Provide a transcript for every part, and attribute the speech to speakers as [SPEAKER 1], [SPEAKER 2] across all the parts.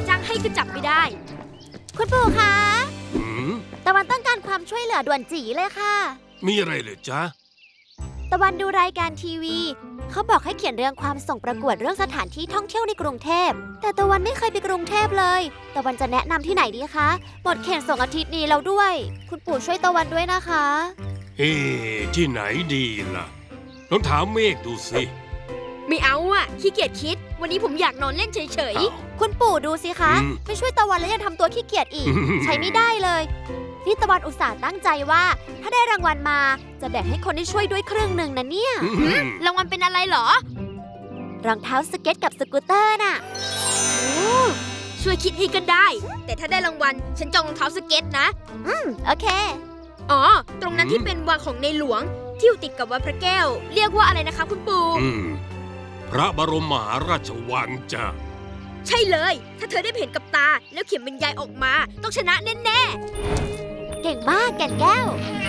[SPEAKER 1] จ้างให้ก็จับไม่ได้
[SPEAKER 2] คุณปู่คะ
[SPEAKER 3] หืม
[SPEAKER 2] ตะวันต้องการความช่วยเหลือด่วนจีเลยค่ะ
[SPEAKER 3] มีอะไรเหรอจ๊ะ
[SPEAKER 2] ตะวันดูรายการทีวีเขาบอกให้เขียนเรื่องความส่งประกวดเรื่องสถานที่ท่องเที่ยวในกรุงเทพแต่ตะวันไม่เคยไปกรุงเทพเลยตะวันจะแนะนำที่ไหนดีคะหมดเขตส่งอาทิตย์นี้แล้วด้วย คุณปู่ช่วยตะวันด้วยนะคะ
[SPEAKER 3] ที่ไหนดีล่ะลองถามเมฆดูสิ
[SPEAKER 1] ไม่เอาอะขี้เกียจคิด วันนี้ผมอยากนอนเล่นเฉย
[SPEAKER 3] อ้าว
[SPEAKER 2] คุณปู่ดูสิคะ
[SPEAKER 3] อืม
[SPEAKER 2] ไม่ช่วยตะวันแล้วยังทำตัวขี้เกียจอีก ใช้ไม่ได้เลยนี่ตะวันอุตส่าห์ตั้งใจว่า ถ้าได้รางวัลมาจะแบ่งให้คนที่ช่วยด้วยครึ่งหนึ่งนะเนี่ย
[SPEAKER 1] ๆรางวัลเป็นอะไรเหรอ
[SPEAKER 2] รองเท้าสเก็ตกับสกูตเตอร์น่ะ
[SPEAKER 1] ช่วยคิดให้ก็ได้ แต่ถ้าได้รางวัลฉันจองรองเท้าสเก็ตนะ
[SPEAKER 2] โอเค
[SPEAKER 1] อ๋อ ตรงนั้นที่เป็นวังของในหลวง ที่อยู่ติดกับวัดพระแก้ว เรียกว่าอะไรนะคะคุณปู่
[SPEAKER 3] พระบรมมหาราชวังจ้ะ
[SPEAKER 1] ใช่เลย ถ้าเธอได้เห็นกับตา แล้วเขียนบรรยายออกมา ต้องชนะแน่
[SPEAKER 2] เก่งมากแก่นแก้ว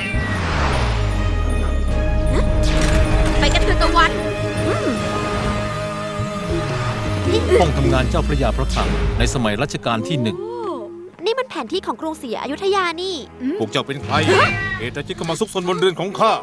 [SPEAKER 1] ๆ ไปกันเถอะตะวัน
[SPEAKER 4] ห้องทำงานเจ้าพระยาพระคลังในสมัยรัชกาลที่หนึ่ง
[SPEAKER 2] นี่มันแผนที่ของกรุงศรีอยุธยานี่
[SPEAKER 4] พวกเจ้าเป็นใครเหตุใดจึงเข้ามาซุกซนบนเรือนของข้า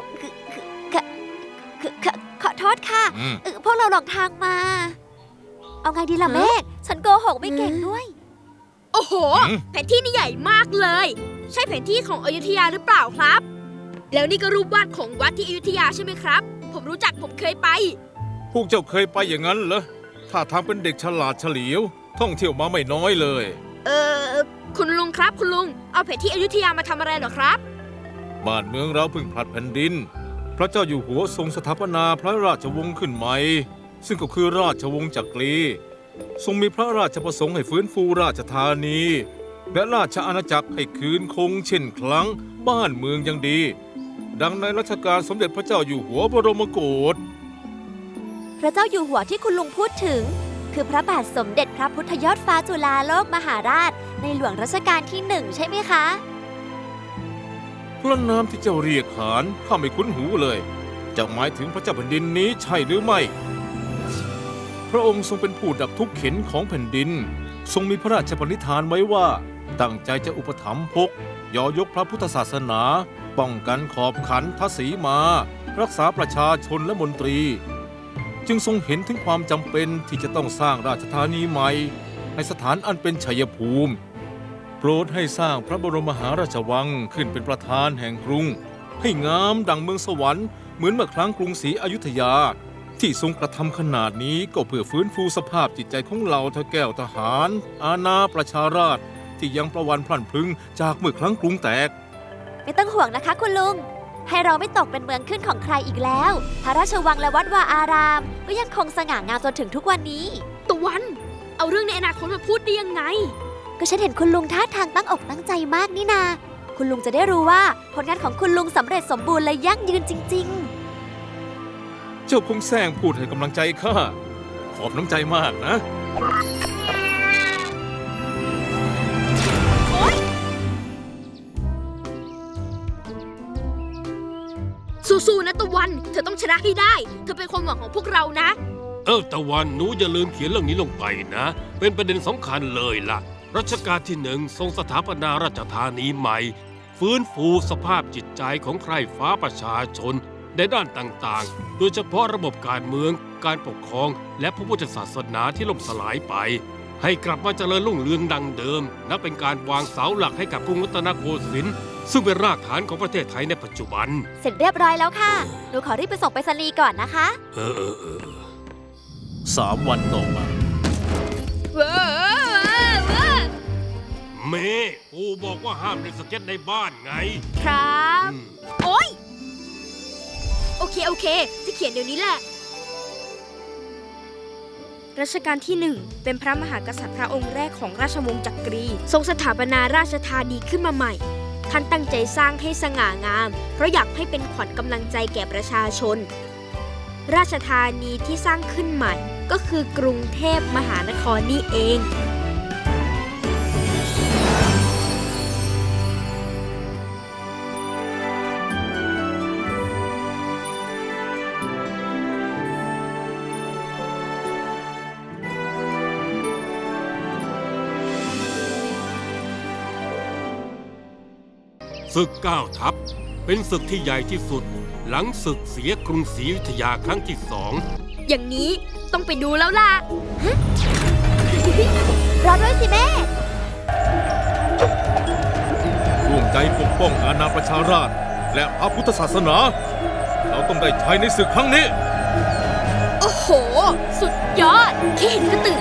[SPEAKER 2] ขอโทษค่ะ
[SPEAKER 4] อืม
[SPEAKER 2] พวกเราหลงทางมา เอาไงดีล่ะเมฆฉันโกหกไม่เก่งด้วย
[SPEAKER 1] โอ้โห แผนที่นี่ใหญ่มากเลย ใช่แผนที่ของอยุธยาหรือเปล่าครับ แล้วนี่ก็รูปวาดของวัดที่อยุธยาใช่ไหมครับ ผมรู้จักผมเคยไป
[SPEAKER 4] พวกเจ้าเคยไปอย่างนั้นเหรอถ้าทางเป็นเด็กฉลาดเฉลียว ท่องเที่ยวมาไม่น้อยเลย
[SPEAKER 1] คุณลุงครับคุณลุง เอาแผนที่อยุธยามาทำอะไรเหรอครับ
[SPEAKER 4] บ้านเมืองเราเพิ่งผลัดแผ่นดิน พระเจ้าอยู่หัวทรงสถาปนาพระราชวงศ์ขึ้นใหม่ ซึ่งก็คือราชวงศ์จักรี ทรงมีพระราชประสงค์ให้ฟื้นฟูราชธานี และราชอาณาจักรให้คืนคงเช่นครั้งบ้านเมืองยังดี ดังในรัชกาลสมเด็จพระเจ้าอยู่หัวบรมโกศ
[SPEAKER 2] พระเจ้าอยู่หัวที่คุณลุงพูดถึง คือพระบาทสมเด็จพระพุทธยอดฟ้าจุฬาโลกมหาราช ในหลวงรัชกาลที่1ใช่ไหมคะ
[SPEAKER 4] พระนามที่เจ้าเรียกขานข้าไม่คุ้นหูเลยจะหมายถึงพระเจ้าแผ่นดินนี้ใช่หรือไม่ พระองค์ทรงเป็นผู้ดับทุกข์เข็นของแผ่นดิน ทรงมีพระราชปณิธานไว้ว่า ตั้งใจจะอุปถัมภกยอยกพระพุทธศาสนา ป้องกันขอบขันทศีมา รักษาประชาชนและมนตรี จึงทรงเห็นถึงความจำเป็นที่จะต้องสร้างราชธานีใหม่ในสถานอันเป็นชัยภูมิ โปรดให้สร้างพระบรมมหาราชวังขึ้นเป็นประธานแห่งกรุง ให้งามดังเมืองสวรรค์เหมือนเมื่อครั้งกรุงศรีอยุธยา ที่ทรงกระทำขนาดนี้ก็เพื่อฟื้นฟูสภาพจิตใจของเหล่าทแก้วทหาร อาณาประชาราษฎร์ที่ยังประวันพลันพรึงจากเมื่อครั้งกรุงแตก
[SPEAKER 2] ไม่ต้องห่วงนะคะคุณลุง ให้เราไม่ตกเป็นเมืองขึ้นของใครอีกแล้ว พระราชวังและวัดวาอาราม ก็ยังคงสง่างามจนถึงทุกวันนี้
[SPEAKER 1] ตะวัน เอาเรื่องในอนาคตมาพูดได้ยังไง
[SPEAKER 2] ก็ฉันเห็นคุณลุงท่าทางตั้งอกตั้งใจมากนี่นา คุณลุงจะได้รู้ว่าผลงานของคุณลุงสำเร็จสมบูรณ์และยั่งยืนจริง
[SPEAKER 4] เจ้าคงแซงพูดให้กำลังใจข้าขอบน้ำใจมากนะ
[SPEAKER 1] สู้ๆนะตะวัน เธอต้องชนะให้ได้ เธอเป็นความหวังของพวกเรานะ
[SPEAKER 3] ตะวันหนูอย่าลืมเขียนเรื่องนี้ลงไปนะ เป็นประเด็นสำคัญเลยล่ะ รัชกาลที่1ทรงสถาปนาราชธานีใหม่ ฟื้นฟูสภาพจิตใจของใคร่ฟ้าประชาชนในด้านต่างๆ โดยเฉพาะระบบการเมือง การปกครอง และพระพุทธศาสนาที่ล่มสลายไป ให้กลับมาเจริญรุ่งเรืองดังเดิม นับเป็นการวางเสาหลักให้กับกรุงรัตนโกสินทร์ซึ่งเป็นรากฐานของประเทศไทยในปัจจุบัน
[SPEAKER 2] ๆ เสร็จเรียบร้อยแล้วค่ะ หนูขอรีบไปส่งไปรษณีย์ก่อนนะคะ
[SPEAKER 4] 3 วันต่อมา
[SPEAKER 3] เมย์ปู่บอกว่าห้ามเล่นสเก็ตในบ้านไง
[SPEAKER 1] ครับ
[SPEAKER 3] อืม
[SPEAKER 1] โอ๊ย โอเค จะเขียนเดี๋ยวนี้แหละ รัชกาลที่ 1 เป็นพระมหากษัตริย์พระองค์แรกของราชวงศ์จักรี ทรงสถาปนาราชธานีขึ้นมาใหม่ ท่านตั้งใจสร้างให้สง่างาม เพราะอยากให้เป็นขวัญกำลังใจแก่ประชาชน ราชธานีที่สร้างขึ้นใหม่ ก็คือกรุงเทพมหานครนี่เอง
[SPEAKER 3] ศึก9 ทัพเป็นศึกที่ใหญ่ที่สุด หลังศึกเสียกรุงศรีอยุธยาครั้งที่ 2
[SPEAKER 1] อย่างนี้ต้องไปดูแล้วล่ะ
[SPEAKER 2] รอด้วยสิแม่
[SPEAKER 4] ร่วมใจปกป้องอาณาประชาราษฎร์และพระพุทธศาสนา เราต้องได้ชัยในศึกครั้งนี้
[SPEAKER 1] โอ้โห สุดยอดแค่เห็นก็ตื่น